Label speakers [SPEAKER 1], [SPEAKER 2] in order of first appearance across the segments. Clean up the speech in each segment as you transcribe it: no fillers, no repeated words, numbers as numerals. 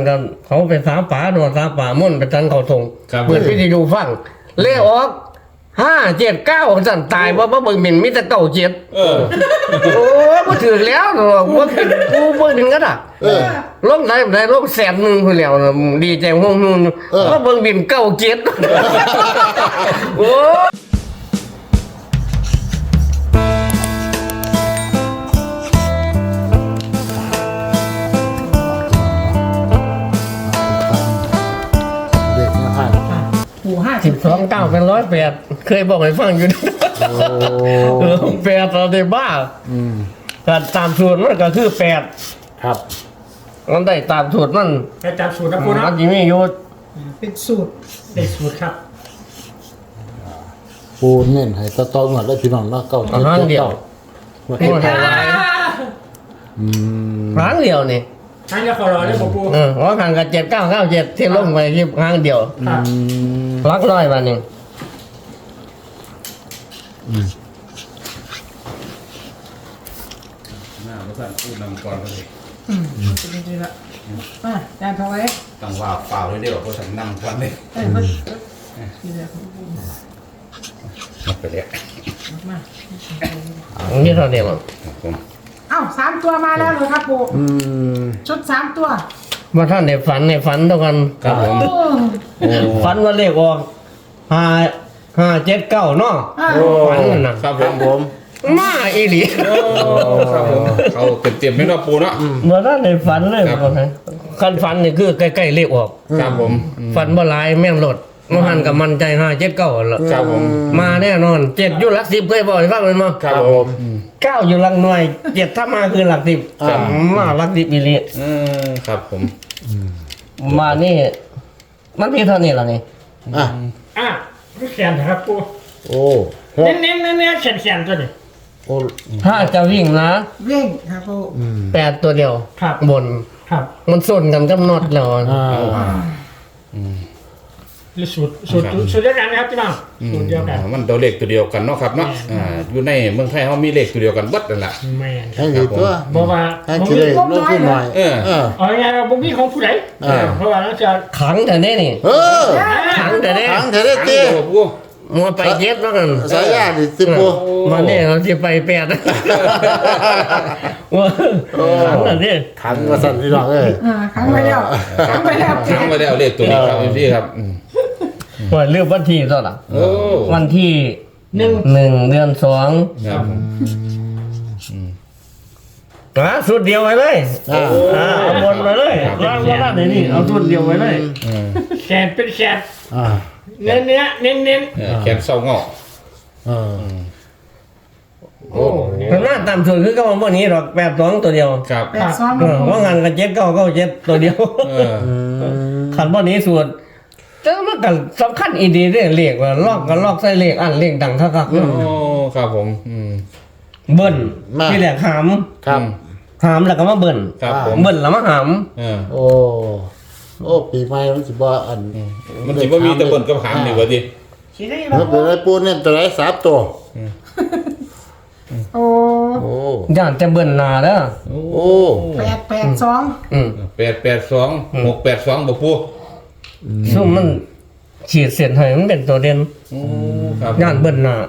[SPEAKER 1] กันเขาไปสาป่าโดนสาป่าม่นไปทันเขาทง
[SPEAKER 2] ครับ
[SPEAKER 1] เปิดพิธีดูฟังเลขออก579สั่นตายว่าเบิ่งหมิ่นมิตรเก่าเจ็ด โอ้บ่ถือแล้วเนาะบ่ถึงกูบ่ถึงกันอ่ะลงได้ลงแสนนึงพุ่นแล้วดีใจฮ้งๆว่าเบิ่งบินเก่าเจ็ดโอ้
[SPEAKER 3] เด็กมาผ่าน
[SPEAKER 4] ปู่
[SPEAKER 1] 12 9เป็น108เคยบอกให้ฟังอยู่8ตอนได้บ้าก็ตามสูตรมันก็คือ8
[SPEAKER 3] ครับ
[SPEAKER 1] มันได้ตามสูตรมัน
[SPEAKER 4] ไปจับสูตรนะปู่
[SPEAKER 1] มั
[SPEAKER 4] นะ
[SPEAKER 1] นสิมีอยู่
[SPEAKER 4] เป็นสูตรได้สูตรครับ
[SPEAKER 3] ปูเน้นให้ต่อๆหมดแล้วพี่น้องเนาะเก้า
[SPEAKER 1] อันนั้นเดียว
[SPEAKER 3] หมด
[SPEAKER 1] โอ้ยหลาย ครั้งเดียวนี่
[SPEAKER 4] นั่นจะขอรอเลยปู่
[SPEAKER 1] ว่าทางกับ7997ที่ลงไปที่ครั้งเดียว
[SPEAKER 4] ครับ
[SPEAKER 1] รักร้อยวันหนึง
[SPEAKER 2] หน้าพระท่านพูดนำก่อนเลย
[SPEAKER 4] จริงๆละจานทองไว้
[SPEAKER 2] ต้องว่าเปล่าเลยเดี๋ยวพระท่านนำก่อนเลย
[SPEAKER 4] นี่แหละ
[SPEAKER 2] หมดไปแล้ว
[SPEAKER 4] มา
[SPEAKER 1] นี่เท่าเดียวมั้ง
[SPEAKER 2] ครับผม
[SPEAKER 4] เอ้า3ตัวมาแล้วเลยครับปู่ชุด3ตัว
[SPEAKER 1] ว่าท่านในฝันเท่ากัน
[SPEAKER 2] ครับผม
[SPEAKER 1] ฝันว่าเลขออก579เนาะฝันนั่นน่ะ
[SPEAKER 2] ครับผม
[SPEAKER 3] ผม
[SPEAKER 1] มาอีหลี
[SPEAKER 2] ครับผมเขาเต็มๆไม่ต้องปูเนาะ
[SPEAKER 1] เมื่อท่านในฝันเลย
[SPEAKER 2] ครับ
[SPEAKER 1] ว่าไงคันฝันนี่คือใกล้ๆเลขออก
[SPEAKER 2] ครับผม
[SPEAKER 1] ฝันบ่หลายแม่นรถมหันกับมันใจ579แล้ว
[SPEAKER 2] ครับผม
[SPEAKER 1] มาแน่นอน7อยู่หลัก10เคยบอกให้ฟังเลยมั้ง
[SPEAKER 2] ครับผม
[SPEAKER 1] 9อยู่หลักหน่วย7ถ้ามาคือหลัก10มาหลัก10อีหลี
[SPEAKER 2] ครับผม
[SPEAKER 1] มานี่มันมีเท่านี้ล่ะนี่
[SPEAKER 3] อ่ะ
[SPEAKER 4] แขนนะครับปู่
[SPEAKER 3] โอ้หก
[SPEAKER 4] เน้นแขนตัวนี้
[SPEAKER 3] โอ้
[SPEAKER 1] ถ้าจะวิ่งนะ
[SPEAKER 4] วิ่งครับปู่
[SPEAKER 1] 8ตัวเดียว
[SPEAKER 4] ครับ
[SPEAKER 1] บน
[SPEAKER 4] ครับ
[SPEAKER 1] มันส้นกันกับน็อตแล้ว
[SPEAKER 4] หรือสูตรเดียวกันนะครับพี่น้องสูตรเดียวกัน
[SPEAKER 2] มันตัวเลขตัวเดียวกันเนาะครับเนาะอยู่ในเมืองไทยเขามีเลขตัวเดียวกันเบัดนั่นแหละ
[SPEAKER 4] แม่น
[SPEAKER 3] ให้ดีตัว
[SPEAKER 4] บอกว่า
[SPEAKER 3] ให้คิดเลยลดขึ้นหน่อย
[SPEAKER 4] เอาไงบุ้งพี่ของผู้ใดเพราะว่าเราจะ
[SPEAKER 1] ขังแต่นี่นี่
[SPEAKER 3] เออ
[SPEAKER 1] ขังแต่นี่
[SPEAKER 3] ถังเธอได้
[SPEAKER 2] เตี้
[SPEAKER 3] เตี้
[SPEAKER 2] ย
[SPEAKER 3] ย
[SPEAKER 2] ปู
[SPEAKER 1] มัวไปเย็ดแล้วกัน
[SPEAKER 3] สายยาดิสิปู
[SPEAKER 1] มาเนี่ยเราจะไป8ว่าขังแต่นี่
[SPEAKER 3] ขังมาสั่นพี่น้องเอ้ย
[SPEAKER 4] ครั้งไปแล้วครั้งไปแล้ว
[SPEAKER 2] ค้างไว้แล้วเลขตัวนี้ครับพี่ครับ
[SPEAKER 1] ว่าเลือกวันที่เท่าไหร่
[SPEAKER 2] โอ้
[SPEAKER 1] วันที่
[SPEAKER 4] หนึ่ง
[SPEAKER 1] 1 เดือน 2
[SPEAKER 2] ครับผม
[SPEAKER 1] สุดเดียวไว้เลยเอาบนไปเลยล่างว่าล่างไหนนี่เอาสุดเดียวไว้เลย
[SPEAKER 4] แขนเป็นแขน
[SPEAKER 3] อ่า
[SPEAKER 4] เน้น
[SPEAKER 2] แขนเศร้างอก
[SPEAKER 1] โอ้แต่หน้าตามสุดคือก็ว่านี้หรอก82ตัวเดียว
[SPEAKER 2] ครับ
[SPEAKER 4] 8 2
[SPEAKER 1] ว่างานกับ7997ตัวเดียว ขันบ่นี้ส่วนแต่มันก็สำคัญอีดีเด้เลขว่าลอกก็ลอกใส่เลขอันเลขดังคัก
[SPEAKER 2] โอ้ครับผม
[SPEAKER 1] ๆเบิ้นที่แรกหาม
[SPEAKER 3] ครับ
[SPEAKER 1] หามแล้วก็มาเบิ้น
[SPEAKER 2] ครับผม
[SPEAKER 1] เบิ้นแล้วมาหาม
[SPEAKER 3] โอ้โอ้ปีใหม่มันสิบ่อัน
[SPEAKER 2] มันถือว่ามีตะบนกับหางนี่วะดิ
[SPEAKER 4] ชี้ได้
[SPEAKER 3] มันเป็นอะไรปูเนี่ยตัวไหน3ตัว
[SPEAKER 4] โอ้
[SPEAKER 3] โอ้
[SPEAKER 1] ย่านแต่เบิ้นหน้าเด้อ
[SPEAKER 3] โอ้
[SPEAKER 4] 8 2
[SPEAKER 1] อืม
[SPEAKER 2] 882 682บ่ปู
[SPEAKER 1] ซุ่มมันฉีดเส้นให้มันเป็นตัวเด่น
[SPEAKER 2] โอ้ครับ
[SPEAKER 1] ย่านเบิ้นหน้า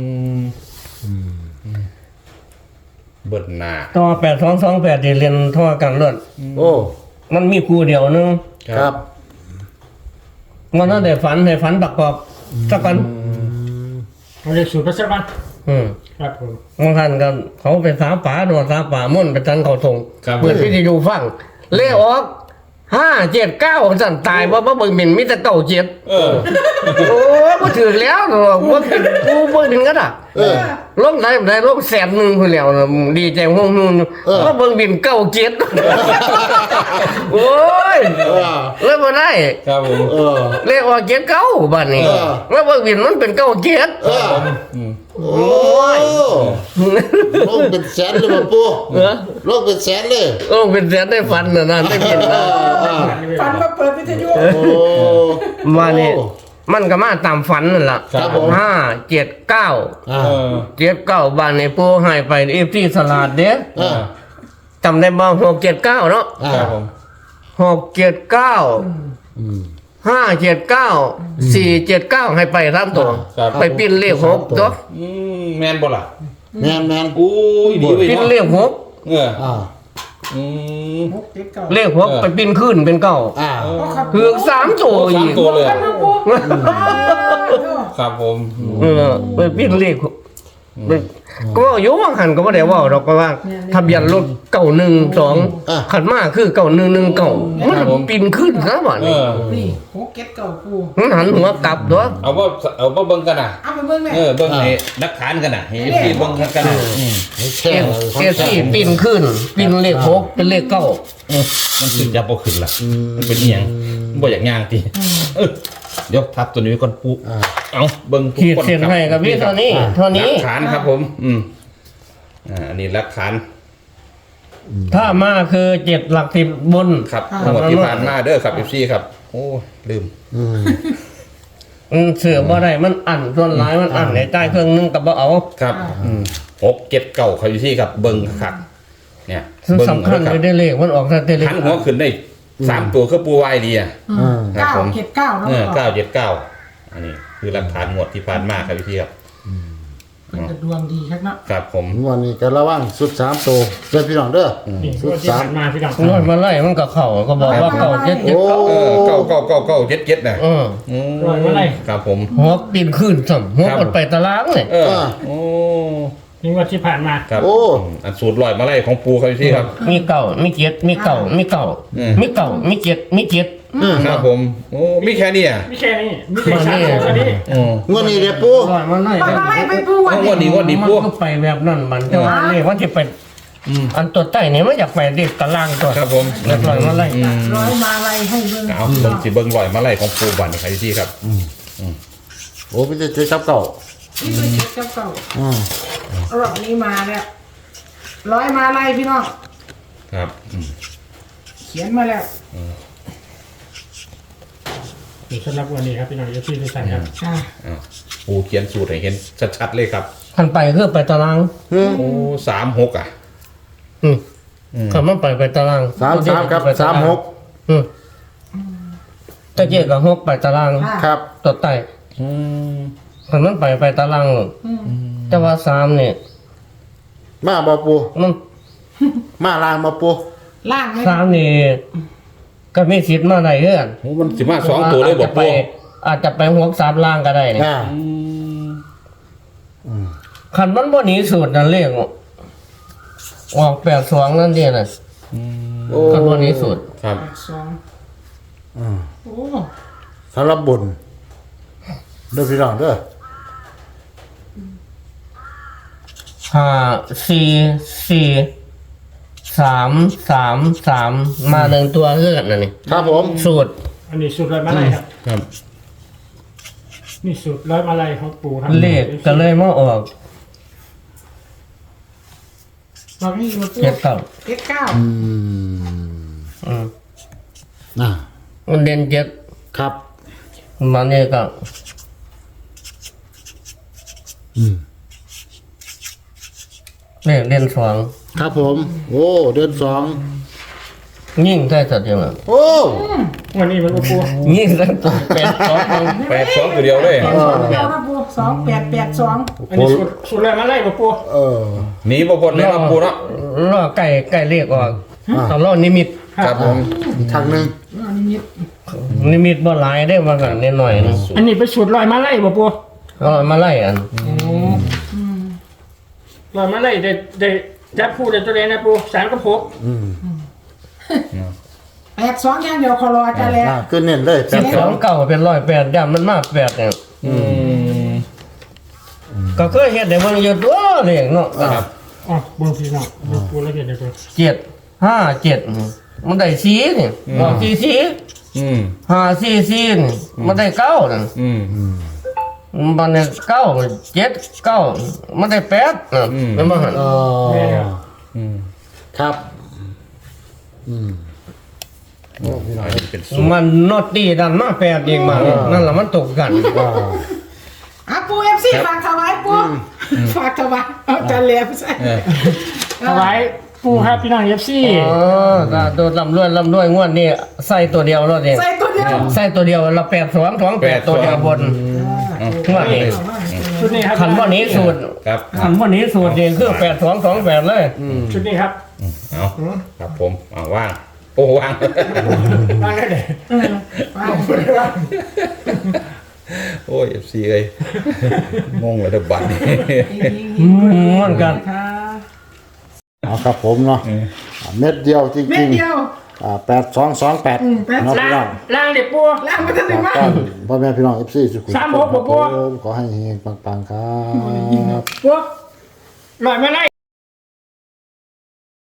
[SPEAKER 2] เบิดหน้า
[SPEAKER 1] ต่อ8228ที่เรียนเท่ากันเลิศ
[SPEAKER 3] โอ้
[SPEAKER 1] มันมีคู่เดียวนึง
[SPEAKER 3] ครับ
[SPEAKER 1] มันนั้นได้ฝันให้ฝันประกอบสักกัน
[SPEAKER 4] เราเรียกสูตรไปสักวัน ครับผม
[SPEAKER 1] บางท่านก็เขาไปสาป่าโดนสาป่าม่นไปทันเขาทง
[SPEAKER 2] ครับ
[SPEAKER 1] เปิดพิธีดูฟังเลขออก579สั่นตายว่าเบิ่งหมิ่นมิตรเก่าเจ็ดโอ้บ่ถือแล้วเนาะบ่ถึงกูบ่ถึงกันอ่ะลงได้ลงแสนนึงพุ่นแล้วดีใจฮ้งว่าเบิ่งบินเก่าเจ็ดโอ้ยเลยบ่ได้
[SPEAKER 2] ครับผม
[SPEAKER 1] เลขออก79บัดนี้ว่าเบิ่งบินมันเป็นเก่าเจ็ด
[SPEAKER 3] โอ้ยลงเป็นแสนเลยมาปูลงเป็นแสนเลย
[SPEAKER 1] โอ้เป็นแสนได้ฝันน่ะนะได้บินนะ
[SPEAKER 4] ฟันมาเปิดวิทยุ
[SPEAKER 3] โอ้
[SPEAKER 1] ว่านี่มันก็มาตามฝันนั่นล่ะ
[SPEAKER 3] ครับผม
[SPEAKER 1] 579บ้านในปูให้ไปเอฟซีสลัดเด้จำได้บ่679เนาะ
[SPEAKER 2] ครับผม
[SPEAKER 1] 679 579 479ให้ไป3ตัวไปปิ้นเลข6ตัว
[SPEAKER 2] แม่นบ่ล่ะ
[SPEAKER 3] แมน
[SPEAKER 2] โอ้ยดีเว้ย
[SPEAKER 1] ปิ้น
[SPEAKER 2] เนาะ
[SPEAKER 1] เลข
[SPEAKER 3] อ่า
[SPEAKER 2] อืม
[SPEAKER 4] หกเจ็ดเก้า
[SPEAKER 1] 6เลข6ไปปิ้นขึ้นเป็นเก้า
[SPEAKER 3] อ่า
[SPEAKER 1] คือ3ตัวอีก
[SPEAKER 2] ตัวเลย
[SPEAKER 4] กันนะปู
[SPEAKER 2] ครับผม
[SPEAKER 1] ไปปิ้นเลขก็อยู่ว่างหันก็บ่ได้เว้าดอกก็ว่าทะเบียนรถ912ขันมาคือ9119มันปิ้นขึ้นซะบ่
[SPEAKER 2] เอ
[SPEAKER 1] นี่
[SPEAKER 2] อ
[SPEAKER 4] นี่หกเจ็ดเก้าปู
[SPEAKER 1] มันหันหัวกลับตัว
[SPEAKER 2] เอาว่าเบิ่งกันน่ะ
[SPEAKER 4] เอาไปเบิ่งแม่
[SPEAKER 2] เบิ่งให้นักฐานกันน่ะให้พี่เบิ่งกันน่ะ
[SPEAKER 3] แช่
[SPEAKER 1] เสียที่ปิ้นขึ้นปิ้นเลข6เป็นเลข9
[SPEAKER 2] มันขึ้นยับบ่ขึ้นล่ะมันเป็นอีหยังบ่อยากย่างติเดี๋ยวทับตัวนี้ไว้ก่อนปุ๊เอาเบิ่ง
[SPEAKER 1] ขีดเส้นให้กับพี่เท่านี้
[SPEAKER 2] หลักฐานครับผมอันนี้หลักฐาน
[SPEAKER 1] ถ้ามาคือ7หลัก10บน
[SPEAKER 2] ครับงวดที่ผ่านมาเด้อครับ FC ครับโอ้ลืม
[SPEAKER 1] เสือบ่ได้มันอั้นส่วนหลายมันอั้นในใต้เครื่องนึงก็บ่เอา
[SPEAKER 2] ครับ6 7 9ครับอยู่ที่ครับเบิ่งครับเนี่ย
[SPEAKER 1] สำคัญเลยได้เลขมันออกแต่เลข
[SPEAKER 2] หันหัวขึ้นได้3ตัวคือปูวายดีอ่ะครับ
[SPEAKER 4] เก้า
[SPEAKER 2] ผม
[SPEAKER 4] เจ็ดเก้าเนาะ
[SPEAKER 2] 979อันนี้คือหลักฐานงวดที่ผ่านมาครับพี่ครับ
[SPEAKER 4] มันจะดวงดีครับเนาะ
[SPEAKER 2] ครับผม
[SPEAKER 3] วันนี้ก็ระวังสุด3ตัวเด้อพี่น้องเด้อ
[SPEAKER 5] นี่
[SPEAKER 3] สุ
[SPEAKER 5] งว
[SPEAKER 3] ด
[SPEAKER 5] ดที่ผ่านมาพี่น้อง
[SPEAKER 1] นวดมาไล่มันก็เข้าก็บอกว่าเข้า7 7
[SPEAKER 3] โอ้
[SPEAKER 2] 9 นะ
[SPEAKER 5] รอยมาเลย
[SPEAKER 2] ครับผม
[SPEAKER 1] หัวปีนขึ้นซ้ํหัวกดไปตารางเลย
[SPEAKER 2] โอ้
[SPEAKER 5] นี่งวดที่ผ่านมา
[SPEAKER 2] ครับ
[SPEAKER 3] โอ้
[SPEAKER 2] อันสูตรลอยมาไล่ของปูครับพี่ครับ
[SPEAKER 1] มีเก่ามี7มีเก่ามีเก่ามีเก่ามี7มี7
[SPEAKER 2] ครับผมโอ้มีแค่นี้อ่ะ
[SPEAKER 5] ไม่แค่นี้มีแต่สามตัวแค่นี้
[SPEAKER 3] งวดนี้เด้อปู
[SPEAKER 1] ร้อยมาไล่
[SPEAKER 4] ปล่อยมาไล่ไปปู
[SPEAKER 2] เอางวดนี้
[SPEAKER 1] มันก็ไปแบบนั้นมันแต่ว่าเลขมันสิเป็นอันตัวใต้นี่มันอยากไปเลขตารางตัว
[SPEAKER 2] ครับผม
[SPEAKER 1] แล้วร้อยมาไล่
[SPEAKER 4] ร้อยมาไล่ให้เบิ่ง
[SPEAKER 2] เอาเบิ่งสิเบิ่งลอยมาไล่ของปูบันครับพี่ครับ
[SPEAKER 3] โอ้ไม่ได้เจ๊จับเก่า
[SPEAKER 4] นี่คือเจ็ดเก้าเก้ารอบนี้มาแล้วร้อยมาไล่พี่น้อง
[SPEAKER 2] ครับ
[SPEAKER 4] เขียนมาแล้ว
[SPEAKER 5] นี่สำหรับวันนี้ครับพี่น้องที่ทุกท่านครับ
[SPEAKER 2] ปูเขียนสูตรให้เห็นชัดๆเลยครับ
[SPEAKER 1] คันไปคือไปตาราง
[SPEAKER 2] โอ้36อ่ะ
[SPEAKER 1] คันมันไปตาราง
[SPEAKER 3] 33ครับ36
[SPEAKER 1] ตะเกียบกับ6ไปตาราง
[SPEAKER 3] ครับ
[SPEAKER 1] ตัวใต้คันมันไปตารางหรอกแต่ว่า3นี่
[SPEAKER 3] มาบ่ปู
[SPEAKER 1] มัน
[SPEAKER 3] มาลางบ่ปู
[SPEAKER 4] ล่างไหม
[SPEAKER 1] 3นี่ก็มีสิทธิ์มาได้เฮือน
[SPEAKER 2] โอ้มันสิมา2ตัวเลยบ่ปู
[SPEAKER 1] อาจจะไป6 3ล่างก็ได้นี่
[SPEAKER 3] อ่า
[SPEAKER 1] คันมันบ่หนีสูตรนั่นเลขออก82นั่นเด้น่ะ
[SPEAKER 3] โอ้
[SPEAKER 1] คันบ่หนีสูตร
[SPEAKER 2] ครับ
[SPEAKER 4] สองโอ้
[SPEAKER 3] สำหรับบุญเด้อพี่น้องเด้อ
[SPEAKER 1] 5 4 4 3 3มา1ตัวคือกันนั่นนี่
[SPEAKER 3] ครับผม
[SPEAKER 1] สูตร
[SPEAKER 5] อันนี้สูตรร้อยมาเลยครับ
[SPEAKER 2] ครับ
[SPEAKER 5] นี่สูตรร้อยมาเลยของปู่ครับ
[SPEAKER 1] เลขก็เลยมาออก
[SPEAKER 4] รอบนี้มาปู
[SPEAKER 1] เจ็ดเก้า
[SPEAKER 4] เจ็ดเก้า
[SPEAKER 3] น่ะ
[SPEAKER 1] มันเด่นเจ็ด
[SPEAKER 3] ครับ
[SPEAKER 1] มันนี่ก็เลขเด่นสอง
[SPEAKER 3] ครับผมโอ้เดือน2
[SPEAKER 1] ยิ่งได้สัตว์ยังไง
[SPEAKER 3] โอ้
[SPEAKER 5] วันนี้มันปู่
[SPEAKER 1] ยิ่งได้ตัวเป็นสอง
[SPEAKER 2] 82ตัวเดียวเลย
[SPEAKER 4] สองเดียวนะปู2882
[SPEAKER 5] อันนี้สูตรร้อยมาเลยปู่
[SPEAKER 3] เออ
[SPEAKER 2] หนีบ่พ้นเลยครับปูเนาะ
[SPEAKER 1] ล่อไก่เลขออกตอนล่อนิมิต
[SPEAKER 2] ครับผม
[SPEAKER 3] อีกทางหนึง
[SPEAKER 4] อันนี้
[SPEAKER 1] นิมิตบ่หลายได้มากันนิดหน่อยนึง
[SPEAKER 5] อันนี้เป็นสูตรร้อยมาเลยปู่
[SPEAKER 1] ก็มาไล่อัน
[SPEAKER 5] ร้อยมาเลยได้จับคู่ได้ตัวเดียวนะปู่3 กับ 6
[SPEAKER 4] 82อย่างเดียวขอรออาจารย์แล้ว
[SPEAKER 3] ขึ้นเน้นเลยแปด
[SPEAKER 1] สองเก่าเป็น108ย่ำมันมาก8เนี่ยก็เคยเห็นได้เบิ่งอยู่ตัวเลขเนาะ
[SPEAKER 2] ครับ
[SPEAKER 5] อ๋อปู่พี่น้องปู่ละเอียดเลยปู่
[SPEAKER 1] 7 5 7มันได้4นี่ออก4 5 4 4นี่มันได้9นั่นมันได้9 7 9มันได้8น่ะเป็นบ่หั่น
[SPEAKER 3] อ๋อครับโอ้พี่น้อง
[SPEAKER 2] เป็นสูตร
[SPEAKER 1] มันนอตตี้ดันมา8อีกมานั่นล่ะมันตกกัน
[SPEAKER 4] ปู FC ฝากถวายปูฝากถวายเอาอาจารย์แล้วใช่
[SPEAKER 5] ถวายปูครับพี่น้องเอฟซี
[SPEAKER 1] อ๋อก็โดนลำด้วยงวดนี้ใส่ตัวเดียวรถนี่
[SPEAKER 4] ใส่ตัวเดียว
[SPEAKER 1] ใส่ตัวเดียวละ8 ตัวเดียวบนงวดนี้
[SPEAKER 5] ชุดนี้ครับ
[SPEAKER 1] ขันบ่นี้สูตร
[SPEAKER 2] ครับ
[SPEAKER 1] ขันบ่นี้สูตรนี่คือ8 เลย
[SPEAKER 5] ชุดนี้ครับ
[SPEAKER 2] เอาครับผมเอาว่างโอ้ว่าง
[SPEAKER 5] วางได้เลย
[SPEAKER 2] โอ้ย FC เอ้ยงงเลยเด้อบัดนี้
[SPEAKER 1] ม่วนกัน
[SPEAKER 4] ค่ะ
[SPEAKER 3] เอาครับผมเนาะเม็ดเดียวจ
[SPEAKER 4] เม็
[SPEAKER 3] ริ
[SPEAKER 4] ด
[SPEAKER 3] ง
[SPEAKER 4] เดียว
[SPEAKER 3] ๆ8228เนาะพี่น้อง
[SPEAKER 5] ล่างเด็กปู
[SPEAKER 4] ล้างมาทันทีมาก
[SPEAKER 3] พ่อแม่พี่น้อง FC สุขุม
[SPEAKER 5] 36บ่
[SPEAKER 3] ขอให้เฮงปังๆครับ
[SPEAKER 5] ปูลอยมาไล่